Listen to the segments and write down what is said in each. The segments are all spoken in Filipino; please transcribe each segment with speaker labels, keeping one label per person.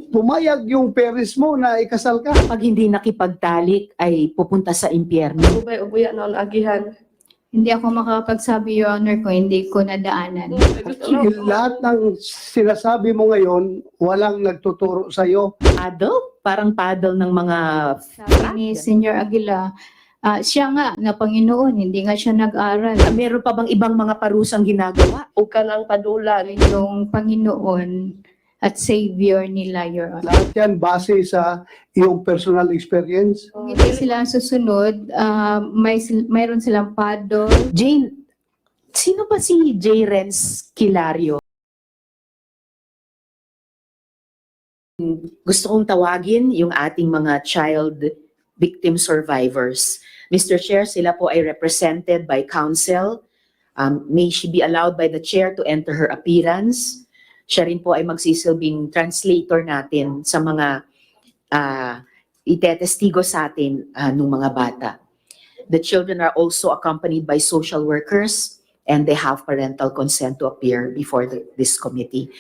Speaker 1: pumayag yung parents mo na ikasal ka.
Speaker 2: Pag hindi nakipagtalik ay pupunta sa impyerno.
Speaker 3: Ubay-ubuya noon agihan.
Speaker 4: Hindi ako makakapagsabi, Your Honor, kung hindi ko nadaanan.
Speaker 1: Lahat ng sinasabi mo ngayon, walang nagtuturo sa'yo.
Speaker 2: Paddle? Parang paddle ng mga
Speaker 4: Sabi ni Senior Aguila, siya nga na Panginoon, hindi nga siya nag-aral.
Speaker 2: Meron pa bang ibang mga parusang ginagawa?
Speaker 3: O ka ng padulan.
Speaker 4: Yung Panginoon at Savior nila, Your Honor.
Speaker 1: Lahat yan base sa iyong personal experience.
Speaker 4: Kung hindi sila susunod, mayroon silang paddle.
Speaker 2: Jane, sino ba si J. Renz Kilario? Gusto kong tawagin yung ating mga child victim survivors. Mr. Chair, sila po ay represented by counsel. May she be allowed by the chair to enter her appearance. Siya rin po ay magsisilbing translator natin sa mga itetestigo sa atin ng mga bata. The children are also accompanied by social workers and they have parental consent to appear before this committee,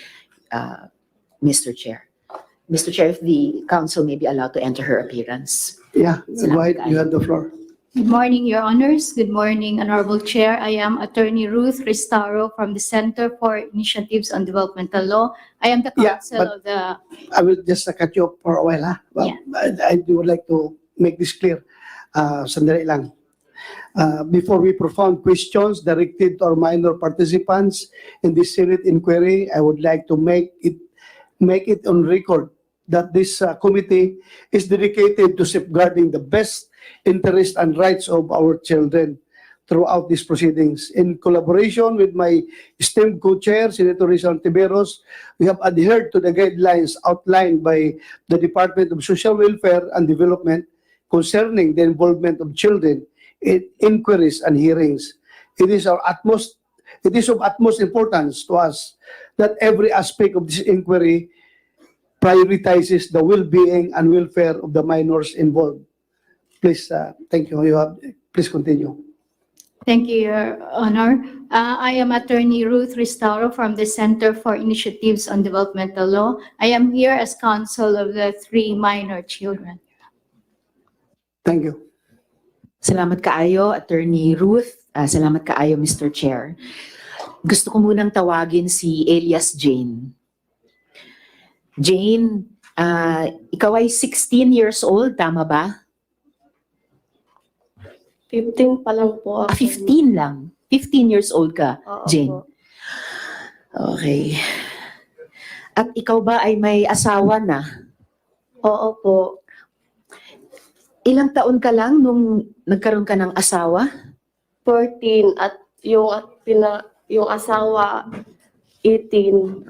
Speaker 2: Mr. Chair. Mr. Chair, if the council may be allowed to enter her appearance.
Speaker 1: Yeah, go ahead, you have the floor.
Speaker 4: Good morning, Your Honors. Good morning, Honorable Chair. I am Attorney Ruth Ristaro from the Center for Initiatives on Developmental Law. I am the
Speaker 1: Yeah,
Speaker 4: counsel
Speaker 1: but-
Speaker 4: of the...
Speaker 1: I will just cut you off for a while, ha? Well,
Speaker 4: Yeah.
Speaker 1: I would like to make this clear. Sandali lang. Before we profound questions directed to our minor participants in this Senate inquiry, I would like to make it on record that this committee is dedicated to safeguarding the best interest and rights of our children throughout these proceedings. In collaboration with my esteemed co-chair, Senator Rizal Tiberos, we have adhered to the guidelines outlined by the Department of Social Welfare and Development concerning the involvement of children in inquiries and hearings. It is of utmost importance to us that every aspect of this inquiry prioritizes the well-being and welfare of the minors involved. Please, thank you. Please continue.
Speaker 4: Thank you, Your Honor. I am Attorney Ruth Ristaro from the Center for Initiatives on Developmental Law. I am here as counsel of the 3 minor children.
Speaker 1: Thank you.
Speaker 2: Salamat kaayo, Attorney Ruth. Salamat kaayo, Mr. Chair. Gusto ko munang tawagin si Elias Jane. Jane, ikaw ay 16 years old, tama ba?
Speaker 3: 15 pa lang po ako.
Speaker 2: 15 lang. 15 years old ka,
Speaker 3: Oo
Speaker 2: Jane.
Speaker 3: po.
Speaker 2: Okay. At ikaw ba ay may asawa na?
Speaker 3: Oo po.
Speaker 2: Ilang taon ka lang nung nagkaroon ka ng asawa?
Speaker 3: 14 at yung asawa 18.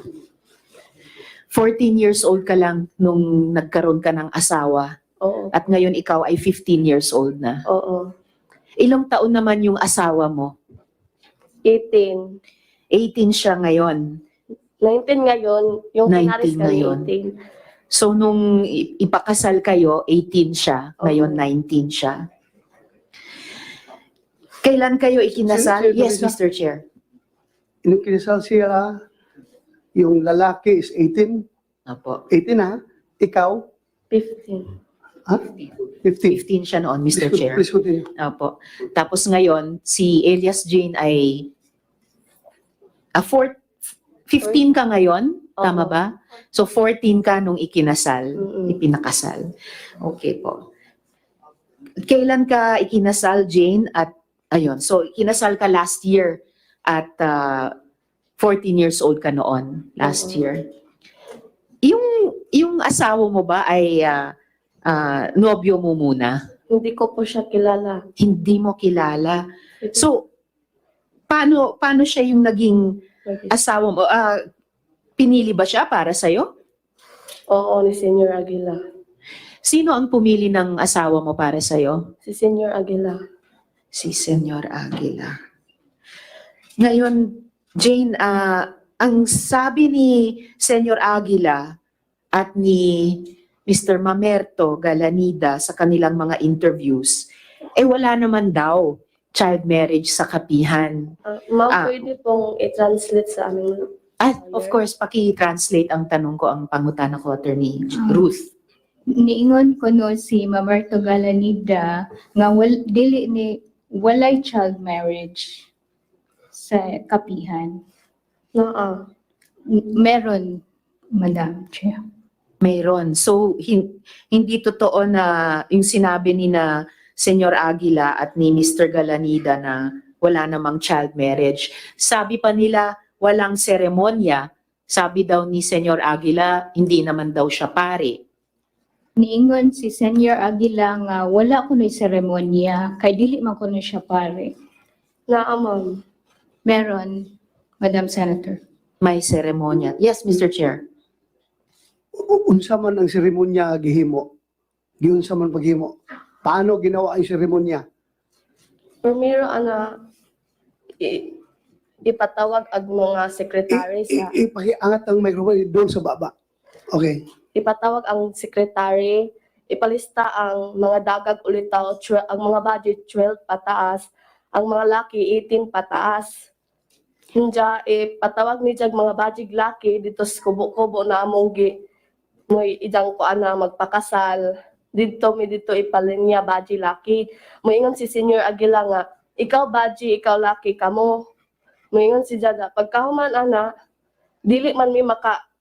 Speaker 2: 14 years old ka lang nung nagkaroon ka ng asawa.
Speaker 3: Oo.
Speaker 2: At ngayon ikaw ay 15 years old na.
Speaker 3: Oo.
Speaker 2: Ilang taon naman yung asawa mo?
Speaker 3: 18.
Speaker 2: 18 siya ngayon.
Speaker 3: 19 ngayon. Yung
Speaker 2: 19
Speaker 3: pinaris kami
Speaker 2: ngayon.
Speaker 3: 18.
Speaker 2: So nung ipakasal kayo, 18 siya. Ngayon 19 siya. Kailan kayo ikinasal?
Speaker 1: Sir,
Speaker 2: Yes,
Speaker 1: Teresa.
Speaker 2: Mr. Chair.
Speaker 1: Nung kinasal siya, yung lalaki is 18.
Speaker 2: Opo.
Speaker 1: 18 ha? Ikaw?
Speaker 3: 15.
Speaker 1: Ha? 15.
Speaker 2: 15 siya noon, Mr. Chair.
Speaker 1: Please continue.
Speaker 2: Opo. Tapos ngayon, si Elias Jane ay 15 ka ngayon? Tama
Speaker 3: Oo.
Speaker 2: ba? So 14 ka nung ikinasal,
Speaker 3: Mm-mm.
Speaker 2: ipinakasal. Okay po. Kailan ka ikinasal, Jane? At ayun, so ikinasal ka last year at 14 years old ka noon, last
Speaker 3: Oo.
Speaker 2: year. Yung asawa mo ba ay nobyo mo muna?
Speaker 3: Hindi ko po siya kilala.
Speaker 2: Hindi mo kilala. So, paano siya yung naging asawa mo? Pinili ba siya para sa'yo?
Speaker 3: Oo, ni Senior Aguila.
Speaker 2: Sino ang pumili ng asawa mo para sa'yo?
Speaker 3: Si Senior Aguila.
Speaker 2: Si Senyor Aguila. Ngayon, Jane, ang sabi ni Senyor Aguila at ni Mr. Mamerto Galanida sa kanilang mga interviews, wala naman daw child marriage sa kapihan.
Speaker 3: Ma'am, pwede pong i-translate sa amin.
Speaker 2: Of course, paki-translate ang tanong ko, ang pangutana ko, Attorney Ruth.
Speaker 4: Niingon ko no si Mamarto Galanida nga dili ni walay child marriage sa kapihan.
Speaker 3: Naa.
Speaker 4: Meron, Madam Chair.
Speaker 2: Mayroon. So, hindi totoo na yung sinabi ni na Senyor Aguila at ni Mr. Galanida na wala namang child marriage. Sabi pa nila, walang seremonya. Sabi daw ni Senyor Aguila, hindi naman daw siya pare.
Speaker 4: Niingon si Senior Aguila nga wala ko na seremonya, kay dili man ko na siya pare.
Speaker 3: Naa, ma'am.
Speaker 4: Meron, Madam Senator.
Speaker 2: May seremonya. Yes, Mr. Chair.
Speaker 1: Unsa man ang seremonya gihimo? Giunsa man paghimo? Paano ginawa ang seremonya?
Speaker 3: Primero, ipatawag ang mga secretary sa
Speaker 1: Ipakiangat ang microphone doon sa baba. Okay.
Speaker 3: ipatawag ang secretary, ipalista ang mga dagag ulitaw, ang mga budget 12 pataas, ang mga laki 18 pataas. Hinja, ipatawag ni jag mga budget laki dito sa kubo-kubo na among mo'y idang ko ana magpakasal. Dito ipalinya budget laki. Moingon si Senior Aguila nga, ikaw budget, ikaw laki kamo. Moingon si Jada, pagkahuman ana, dili man mi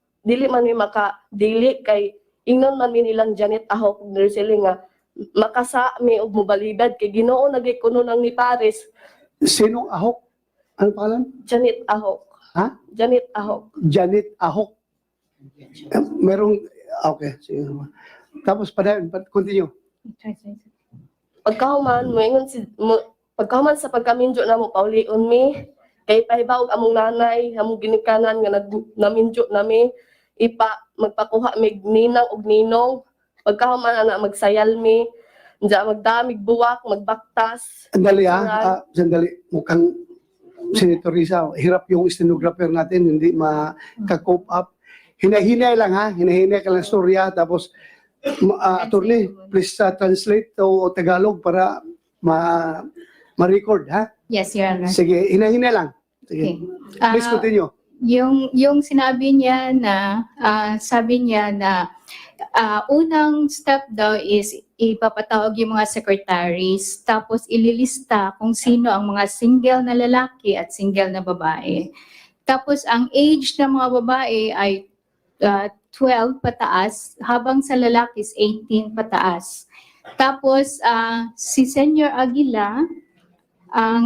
Speaker 3: dili kay ingnon man mi nilang Janet Ahok sila nga makasa mi og mobalibad kay Ginoo nagikuno nang ni Paris.
Speaker 1: Sinong Ahok? Ano pangalan?
Speaker 3: Janet Ahok.
Speaker 1: Ha?
Speaker 3: Janet Ahok.
Speaker 1: Janet Ahok. Merong, okay. Sige. Tapos, continue.
Speaker 3: Pagkahuman pagkahuman sa pagkaminjo na mo paulion mi kay pahibaw among nanay among ginikanan nga naminjo nami magpakuha mig ninang og ninong pagkahuman ana magsayal mi Diya magdamig buwak magbaktas.
Speaker 1: Sandali sandali. Mukhang Senator Risa, hirap yung stenographer natin, hindi maka-cope up. Hinahinay lang ha, hinahinay ka lang storya, tapos attorney, please translate to Tagalog para ma-record ha.
Speaker 4: Yes, Your Honor.
Speaker 1: Sige, hinahinay lang. Sige.
Speaker 4: Okay.
Speaker 1: Please continue.
Speaker 4: Yung sinabi niya na, sabi niya na unang step daw is ipapatawag yung mga secretaries, tapos ililista kung sino ang mga single na lalaki at single na babae. Tapos ang age ng mga babae ay 12 pataas, habang sa lalaki is 18 pataas. Tapos si Senior Aguila, ang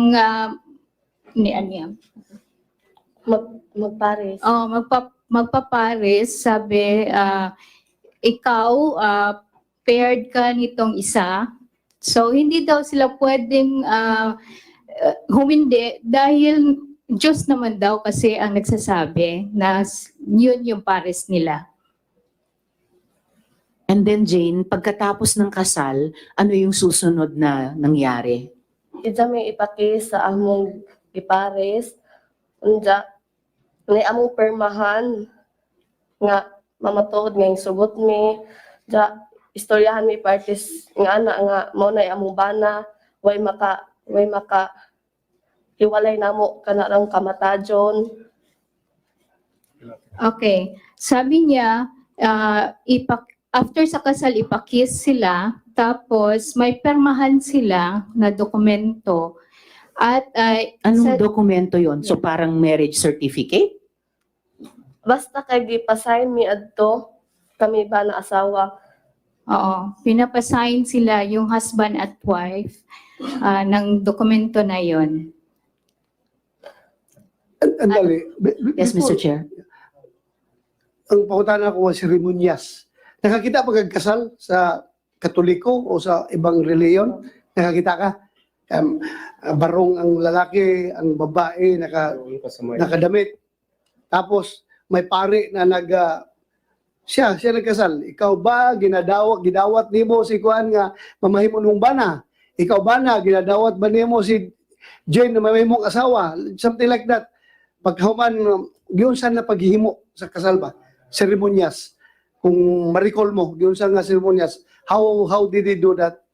Speaker 3: Magpares.
Speaker 4: Magpapares, sabi, ikaw, paired ka nitong isa. So, hindi daw sila pwedeng humindi dahil Diyos naman daw kasi ang nagsasabi na yun yung pares nila.
Speaker 2: And then Jane, pagkatapos ng kasal, ano yung susunod na nangyari?
Speaker 3: Ija may ipaki sa among gipares. Unja, may among permahan nga mamatuod nga yung sugot mi. Ja, istoryahan mi parties nga ana nga mo na among bana way maka hiwalay namo kanarang kamatajon.
Speaker 4: Okay. Sabi niya, after sa kasal, ipakis sila, tapos may permahan sila na dokumento. At
Speaker 2: Anong dokumento yon? So parang marriage certificate?
Speaker 3: Basta kay gipasign mi adto kami ba na asawa.
Speaker 4: oo, pinapasign sila yung husband at wife ng dokumento na yon.
Speaker 1: Andali.
Speaker 2: Yes, Mr. Chair.
Speaker 1: Ang pakutan ko was seremonyas. Nakakita pag kasal sa Katoliko o sa ibang reliyon? Nakakita ka? Barong ang lalaki, ang babae, nakadamit. Tapos, may pare na siya nagkasal. Ikaw ba, gidawat nimo si Kuan nga mamahimon mong bana? Ikaw ba na, ginadawat ba nimo si Jane na mamahimong asawa? Something like that. Pagkahuman, giunsan na paghihimo sa kasal ba? Seremonyas. Kung ma-recall mo, giunsan nga seremonyas. How did they do that?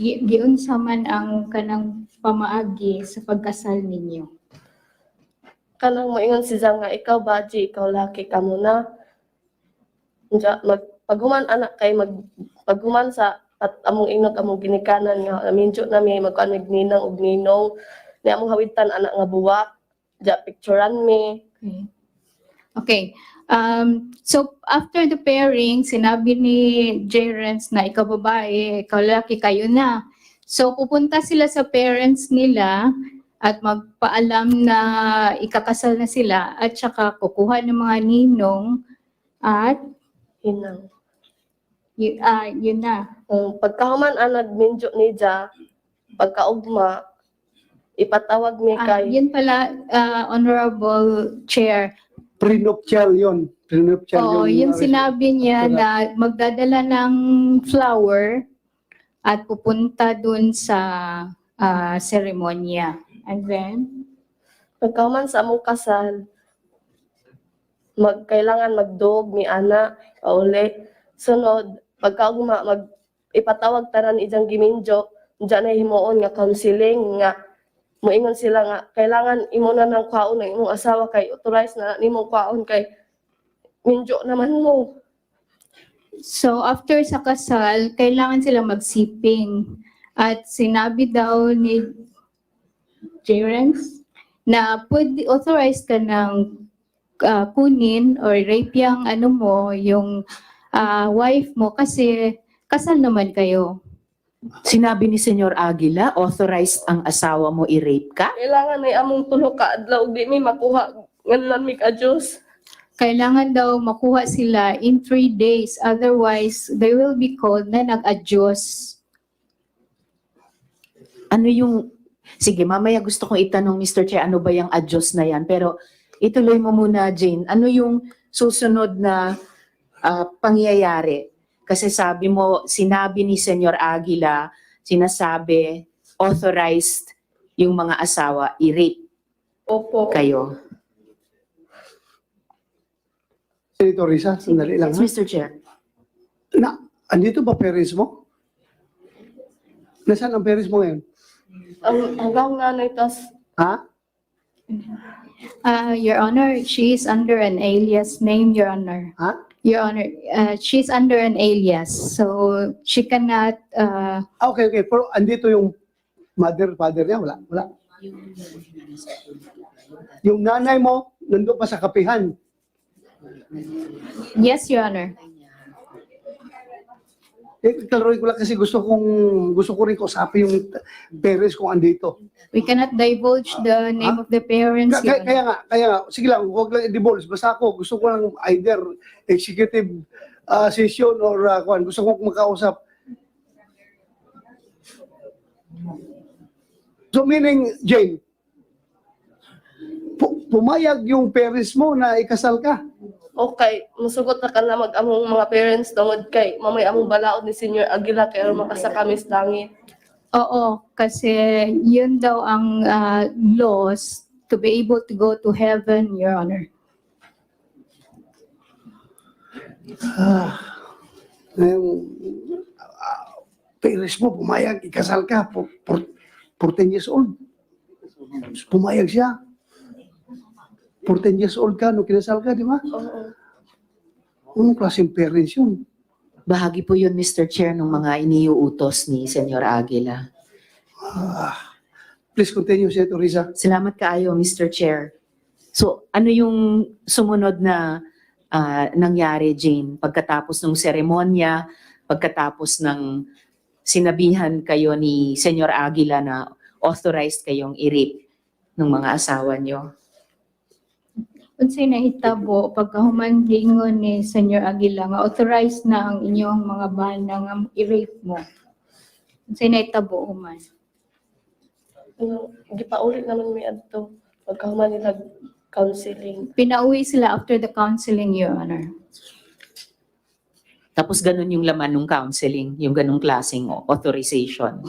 Speaker 4: Giunsa man ang kanang pamaagi sa pagkasal ninyo.
Speaker 3: kanang moingon siya nga ikaw baji, ikaw laki ka muna. Unya paghuman anak kay paghuman sa at among ingot among ginikanan nga minjo na mi magkuan mig ninang ug ninong ni among hawitan anak nga buwak. Ja picturean mi.
Speaker 4: Okay. Okay. So after the pairing, sinabi ni Jerence na ikaw babae, ikaw lalaki, kayo na. So pupunta sila sa parents nila at magpaalam na ikakasal na sila at saka kukuha ng mga ninong at
Speaker 3: Hinang.
Speaker 4: yun na.
Speaker 3: Pagkahuman anad minjo ni Ja pagkaugma ipatawag mi kay
Speaker 4: Yun pala, Honorable Chair.
Speaker 1: Prenuptial yun. Prenuptial
Speaker 4: Oo, yung sinabi niya
Speaker 1: Correct.
Speaker 4: na magdadala ng flower at pupunta dun sa seremonya. And then,
Speaker 3: pagkahuman sa among kasal kailangan magdog mi ana pauli sunod pagkaugma ipatawag tanan ijang giminjo diyan na himuon nga counseling nga moingon sila nga kailangan imo na ng kwaon ng imong asawa kay authorize na nimong kwaon kay minjo naman mo.
Speaker 4: so after sa kasal, kailangan sila magsiping. At sinabi daw ni Jerence na pwede authorized ka ng kunin or rape yung ano mo, yung wife mo kasi kasal naman kayo.
Speaker 2: Sinabi ni Senyor Aguila, authorized ang asawa mo i-rape ka?
Speaker 3: Kailangan ay among tulo ka adlaw di mi makuha nganlan mi ka Dios.
Speaker 4: Kailangan daw makuha sila in 3 days. Otherwise, they will be called na nag-adyos.
Speaker 2: Ano yung, sige mamaya gusto kong itanong Mr. Chair, ano ba yung adyos na yan? Pero ituloy mo muna Jane, ano yung susunod na pangyayari? Kasi sabi mo, sinabi ni Senyor Aguila, sinasabi, authorized yung mga asawa i-rape
Speaker 3: Opo.
Speaker 2: kayo.
Speaker 1: Senator Risa, sandali lang
Speaker 2: Yes,
Speaker 1: ha.
Speaker 2: Mr. Chair.
Speaker 1: Andito ba parents mo? Nasaan ang parents mo ngayon?
Speaker 3: Hanggang nanay tas
Speaker 1: Ha?
Speaker 4: Your Honor, she is under an alias name, Your Honor.
Speaker 1: Ha?
Speaker 4: Your Honor, she's under an alias, so she cannot.
Speaker 1: Okay. Pero andito yung mother, father niya? Wala. Yung nanay mo, nandun pa sa kapihan.
Speaker 4: Yes, Your Honor.
Speaker 1: Klaruin ko lang kasi gusto ko rin kausapin yung parents kung andito.
Speaker 4: We cannot divulge the name of the parents, Your Honor.
Speaker 1: Kaya nga, sige lang, huwag lang i-divulge. Basta ako, gusto ko lang either executive session or gusto ko makausap. So meaning, Jane, pumayag yung parents mo na ikasal ka.
Speaker 3: okay, musugot na ka na mag-among mga parents tungod kay mamay among balaod ni Senior Aguila kay aron makasakamis langit.
Speaker 4: Oo, kasi yun daw ang laws to be able to go to heaven, Your Honor.
Speaker 1: Parents mo, pumayag, ikasal ka, 14 years old. Pumayag siya. 14 years old ka, nung kinasal ka, di ba?
Speaker 3: Oo.
Speaker 1: Anong klaseng parents yun?
Speaker 2: Bahagi po yun, Mr. Chair, ng mga iniuutos ni Senyor Aguila.
Speaker 1: Please continue, Senator Risa.
Speaker 2: Salamat kaayo, Mr. Chair. So, ano yung sumunod na nangyari, Jane? Pagkatapos ng seremonya, pagkatapos ng sinabihan kayo ni Senyor Aguila na authorized kayong i-rape ng mga asawa nyo?
Speaker 4: Unsay nahitabo pagkahuman ni Senyor Aguila nga authorized na ang inyong mga bana nga i-rape mo. Unsay nahitabo human?
Speaker 3: Gipaulit naman mi adto pagkahuman nila counseling.
Speaker 4: Pinauwi sila after the counseling, Your Honor.
Speaker 2: Tapos ganun yung laman ng counseling, yung ganung klaseng authorization.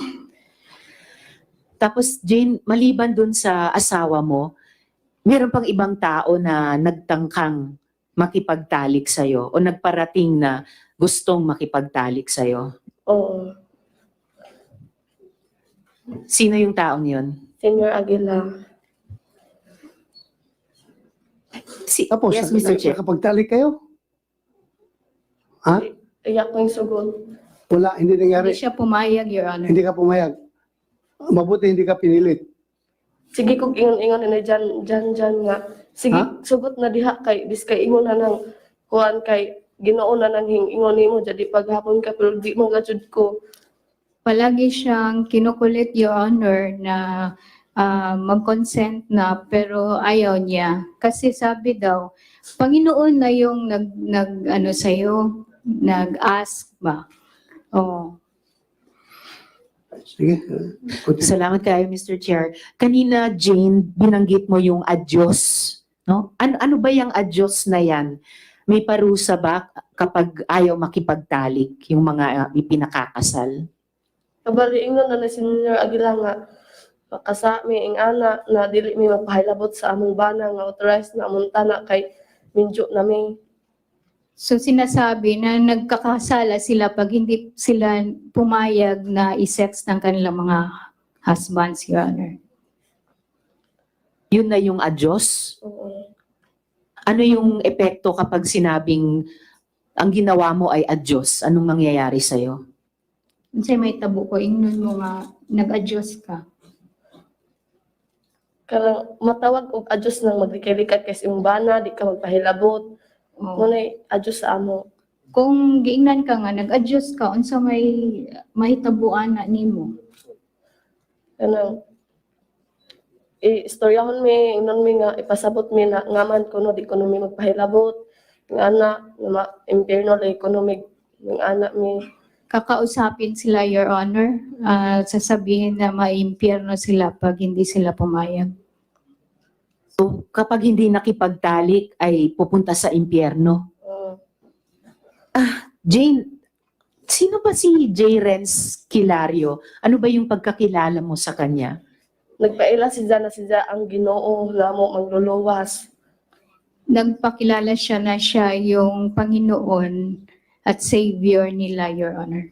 Speaker 2: Tapos Jane, maliban dun sa asawa mo, meron pang ibang tao na nagtangkang makipagtalik sa'yo o nagparating na gustong makipagtalik sa'yo.
Speaker 3: Oo.
Speaker 2: Sino yung taong yun?
Speaker 3: Senior Aguila.
Speaker 1: Tapos,
Speaker 2: Yes, Mr. Chair.
Speaker 1: nakapagtalik kayo? Ha?
Speaker 3: Iyak ko yung sugod.
Speaker 1: Wala, hindi
Speaker 4: Hindi
Speaker 1: nangyari.
Speaker 4: siya pumayag, Your Honor.
Speaker 1: Hindi ka pumayag. Mabuti hindi ka pinilit.
Speaker 3: Sige kog ingon-ingon na dyan nga. Sige,
Speaker 1: Ha?
Speaker 3: sugot na diha kay dis kay ingon na nang kuan kay Ginoo na nang ingon nimo jadi paghapon ka pero di mo gajud ko.
Speaker 4: Palagi siyang kinukulit, Your Honor, na mag-consent na pero ayaw niya. Kasi sabi daw, Panginoon na yung ano sa'yo, nag-ask ba? Oh.
Speaker 1: Sige. Continue.
Speaker 2: Salamat kayo, Mr. Chair. Kanina, Jane, binanggit mo yung adyos. No? Ano ba yung adyos na yan? May parusa ba kapag ayaw makipagtalik yung mga ipinakakasal?
Speaker 3: Kabali ingon na ni Senior Aguila nga makasa mi ing ana na dili mi magpahilabot sa among bana nga authorized na among tanak kay minjo na mi.
Speaker 4: So sinasabi na nagkakasala sila pag hindi sila pumayag na isex ng kanilang mga husbands, Your Honor.
Speaker 2: Yun na yung adyos?
Speaker 3: Oo.
Speaker 2: Ano yung epekto kapag sinabing ang ginawa mo ay adyos? Anong nangyayari sa'yo?
Speaker 4: Kasi may tabo ko, ingnon mo nga, nag-adjust ka.
Speaker 3: Karang matawag og adjust nang maglikay-likay kay sa imong bana di ka magpahilabot.
Speaker 4: Oh.
Speaker 3: Munay adjust sa amo.
Speaker 4: Kung giingnan ka nga, nag-adjust ka, unsa may tabuan na nimo.
Speaker 3: Kanang istoryahon mi ingnon mi nga ipasabot mi na ngaman kuno di kuno mi magpahilabot. Nga ana na impierno la economic ng anak mi.
Speaker 4: Kakausapin sila, Your Honor, sasabihin na maimpyerno sila pag hindi sila pumayag.
Speaker 2: So kapag hindi nakipagtalik ay pupunta sa impyerno. Jane, sino ba si J. Renz Kilario? Ano ba yung pagkakilala mo sa kanya?
Speaker 3: Nagpaila si Jana ang Ginoo nga mo mangluluwas.
Speaker 4: Nagpakilala siya na siya yung Panginoon at Savior nila, Your Honor.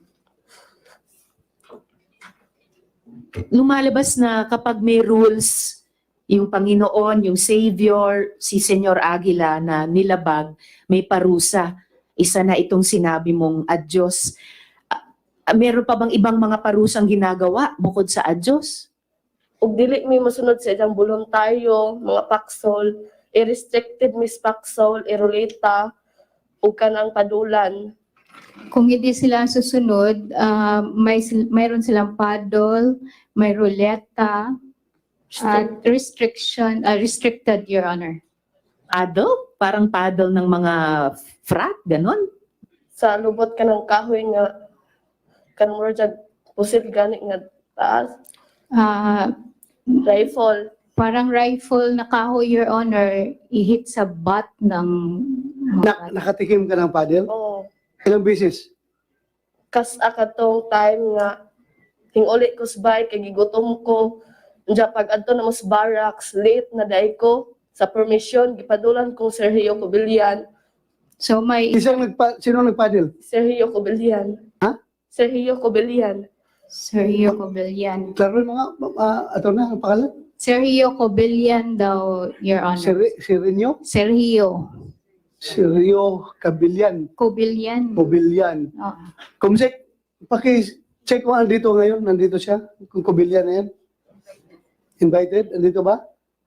Speaker 2: Lumalabas na kapag may rules, yung Panginoon, yung Savior, si Senyor Aguila na nilabag, may parusa. Isa na itong sinabi mong adyos. Meron pa bang ibang mga parusang ginagawa bukod sa adyos?
Speaker 3: Ug dili mi mosunod sa iyang voluntaryo, mga paksol, i-restricted mis paksol, irulita, ug kanang padulan.
Speaker 4: Kung hindi sila susunod, mayroon silang paddle, may ruleta, at restricted, Your Honor.
Speaker 2: Paddle? Parang paddle ng mga frat, ganon?
Speaker 3: Sa lubot ka ng kahoy nga kan mo jag pusil gani nga taas,
Speaker 4: Ah,
Speaker 3: rifle.
Speaker 4: parang rifle na kahoy, Your Honor, ihit sa butt ng mga
Speaker 1: Nakatikim ka ng paddle?
Speaker 3: Oo.
Speaker 1: Ilang beses?
Speaker 3: Kas akatong time nga hinguli ko sa bike kay gigutom ko. Unya pag adto na mo sa barracks, late na day ko sa permission gipadulan kong Sergio Cobillan.
Speaker 4: So may
Speaker 1: Sino nagpaddle?
Speaker 3: Sergio Cobillan.
Speaker 1: Ha?
Speaker 3: Sergio Cobillan.
Speaker 4: Sergio Cobillan.
Speaker 1: Klaro yung mga, ato na, ang pangalan?
Speaker 4: Sergio Cobillan daw, Your Honor.
Speaker 1: Sirinyo?
Speaker 4: Sergio
Speaker 1: Sirio Cabillan.
Speaker 4: Cobillan.
Speaker 1: Cobillan.
Speaker 4: Oo.
Speaker 1: Kumsek, paki-check mo andito ngayon. Nandito siya. Kung Cobillan na yan. Invited? Andito ba?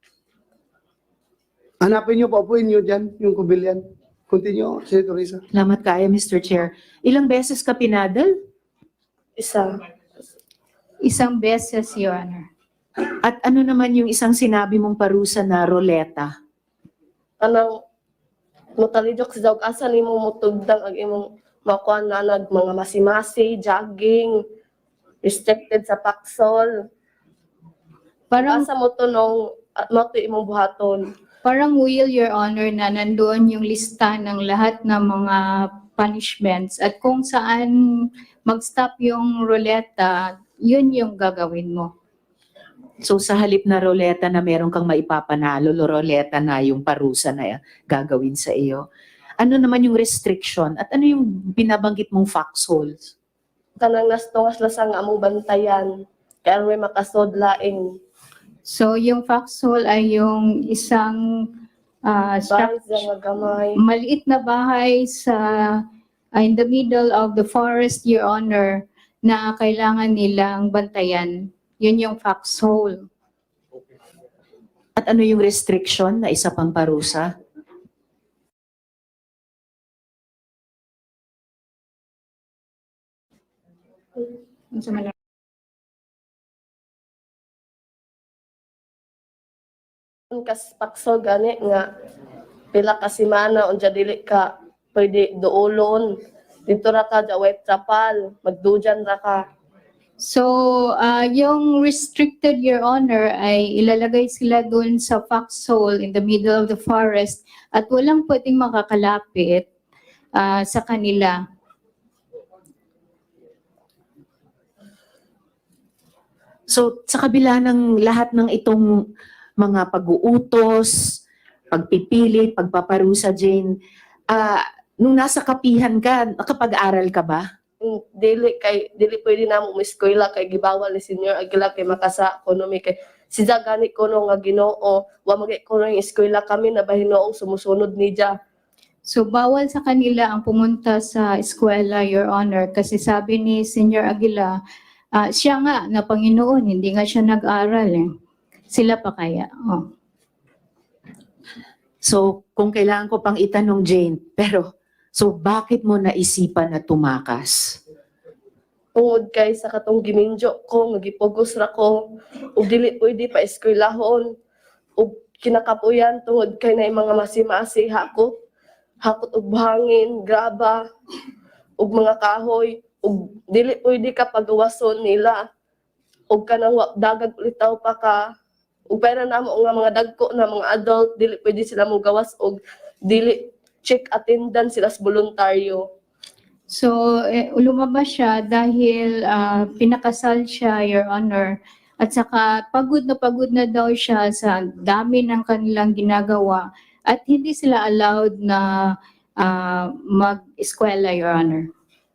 Speaker 1: Hanapin niyo, paupuin niyo dyan, yung Cobillan. Continue, Senator Risa.
Speaker 2: Salamat kayo, Mr. Chair. Ilang beses ka pinadal?
Speaker 3: Isa.
Speaker 4: Isang beses, Your Honor.
Speaker 2: At ano naman yung isang sinabi mong parusa na roleta?
Speaker 3: Kanang mutalidok sa dawg asa nimo mutugdang ang imong makuan na nag mga masimasi, jogging, restricted sa paksol.
Speaker 4: Parang
Speaker 3: Asa mo to nung mo to imong buhaton.
Speaker 4: Parang will, Your Honor, na nandoon yung lista ng lahat ng mga punishments at kung saan mag-stop yung ruleta, yun yung gagawin mo.
Speaker 2: So sa halip na roleta na meron kang maipapanalo, roleta na yung parusa na gagawin sa iyo. Ano naman yung restriction at ano yung binabanggit mong foxholes?
Speaker 3: Kanang nastungas lasang among bantayan. Kaya may makasod laing.
Speaker 4: So yung foxhole ay yung isang
Speaker 3: Bahay sa mga gamay.
Speaker 4: maliit na bahay sa in the middle of the forest, Your Honor, na kailangan nilang bantayan. Yun yung foxhole.
Speaker 2: At ano yung restriction na isa pang parusa?
Speaker 4: Ano sa Manila?
Speaker 3: Kas pakso gani nga pila ka semana unja dili ka pwede duolon dito ra ka sa white chapel magdujan ra ka.
Speaker 4: So, yung restricted, Your Honor, ay ilalagay sila dun sa foxhole in the middle of the forest at walang pwedeng makakalapit sa kanila.
Speaker 2: So sa kabila ng lahat ng itong mga pag-uutos, pagpipilit, pagpaparusa, Jane, nung nasa kapihan ka, nakapag-aral ka ba?
Speaker 3: Dili pwede na mo eskwela kay gibawal ni Senior Aguila kay makasa ekonomi kay si gani kuno nga Ginoo wa magi kuno yung eskwela kami na bahinoong sumusunod ni Dia.
Speaker 4: So, bawal sa kanila ang pumunta sa eskwela, Your Honor, kasi sabi ni Senior Aguila, siya nga na Panginoon, hindi nga siya nag-aral eh. Sila pa kaya? Oh.
Speaker 2: So kung kailangan ko pang itanong, Jane, pero so bakit mo naisipan na tumakas?
Speaker 3: Tungod kay sa katong giminjo ko nagipugos ra ko ug dili pwede pa eskwelahon ug kinakapuyan tungod kay na mga masimasi hakot og buhangin, graba ug mga kahoy ug dili pwede ka pagawason nila ug kanang dagag ulitaw pa ka ug pera namo nga mga dagko na mga adult dili pwede sila mo gawas og dili check attendance sila sa voluntaryo.
Speaker 4: So, lumabas siya dahil pinakasal siya, Your Honor. At saka pagod na daw siya sa dami ng kanilang ginagawa. At hindi sila allowed na mag-eskwela, Your Honor.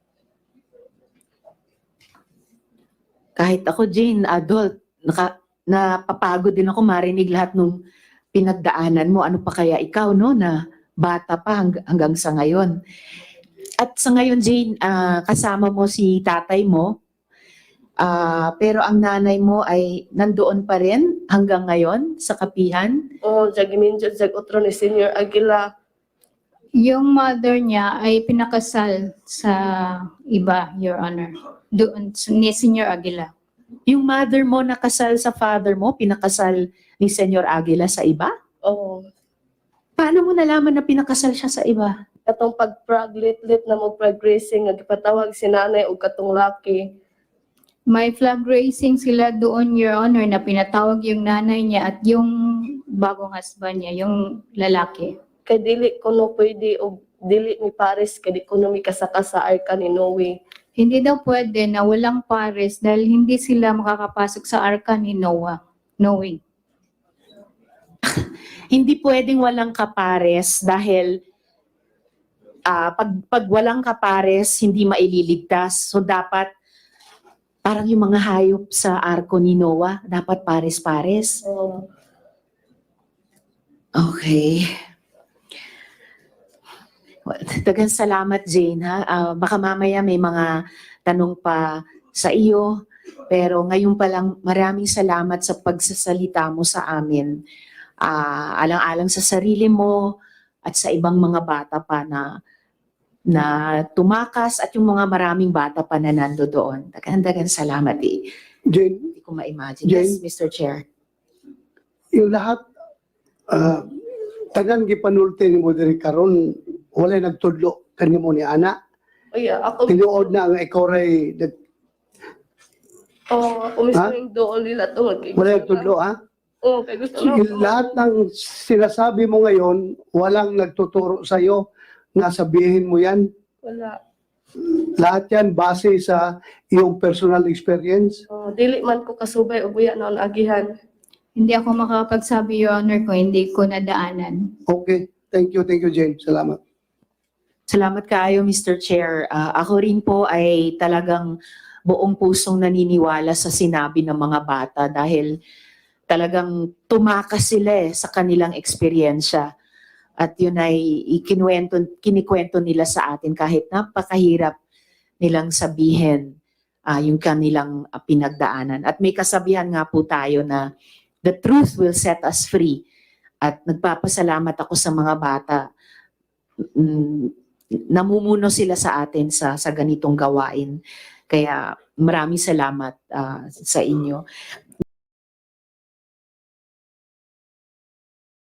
Speaker 2: Kahit ako, Jane, adult, napapagod din ako marinig lahat ng pinagdaanan mo. Ano pa kaya ikaw, no, na bata pa hanggang sa ngayon. At sa ngayon, Jane, kasama mo si tatay mo, pero ang nanay mo ay nandoon pa rin hanggang ngayon sa kapihan.
Speaker 3: Oh, giminjo jag utro ni Senior Aguila.
Speaker 4: Yung mother niya ay pinakasal sa iba, Your Honor. Doon ni Senior Aguila.
Speaker 2: Yung mother mo nakasal sa father mo, pinakasal ni Senyor Aguila sa iba?
Speaker 3: Oh,
Speaker 2: Paano mo nalaman na pinakasal siya sa iba?
Speaker 3: katong pag-praglit-lit na mo progressing nga gipatawag si nanay ug katong laki.
Speaker 4: May flag raising sila doon, Your Honor, na pinatawag yung nanay niya at yung bagong husband niya, yung lalaki.
Speaker 3: Kay dili kuno pwede og dili mi pares kay di kuno mi kasaka sa arka ni Noe.
Speaker 4: Hindi daw pwede na walang pares dahil hindi sila makakapasok sa arka ni Noah. Knowing.
Speaker 2: Hindi pwedeng walang kapares dahil pag walang kapares, hindi maililigtas. So dapat parang yung mga hayop sa arko ni Noah, dapat pares-pares.
Speaker 3: Oh,
Speaker 2: Okay. Well, daghang salamat, Jane, ha? Baka mamaya may mga tanong pa sa iyo. Pero ngayon pa lang, maraming salamat sa pagsasalita mo sa amin. Alang-alang sa sarili mo at sa ibang mga bata pa na tumakas at yung mga maraming bata pa na nando doon. Daghang salamat eh.
Speaker 1: Jane,
Speaker 2: Hindi ko ma-imagine. Yes, Mr. Chair.
Speaker 1: yung lahat, tagan gipanulti ni mo diri karon walay nagtudlo kanimo ni ana.
Speaker 3: Oy, ako
Speaker 1: Tinuod na nga ikaw ray
Speaker 3: ako mismo yung doon nila tungod kay
Speaker 1: walay nagtudlo ha.
Speaker 3: Oh, kay gusto
Speaker 1: Sige,
Speaker 3: na.
Speaker 1: lahat ng sinasabi mo ngayon, walang nagtuturo sa iyo na sabihin mo yan.
Speaker 3: Wala.
Speaker 1: Lahat yan base sa iyong personal experience.
Speaker 3: Oh, dili man ko kasubay og buya na agihan.
Speaker 4: Hindi ako makakapagsabi, Your Honor, kung hindi ko nadaanan.
Speaker 1: Okay. Thank you, Jane. Salamat.
Speaker 2: Salamat kaayo, Mr. Chair. Ako rin po ay talagang buong pusong naniniwala sa sinabi ng mga bata dahil talagang tumakas sila sa kanilang eksperyensya. At yun ay kinikwento nila sa atin kahit napakahirap nilang sabihin yung kanilang pinagdaanan. At may kasabihan nga po tayo na the truth will set us free. At nagpapasalamat ako sa mga bata. Namumuno sila sa atin sa ganitong gawain. Kaya maraming salamat sa inyo.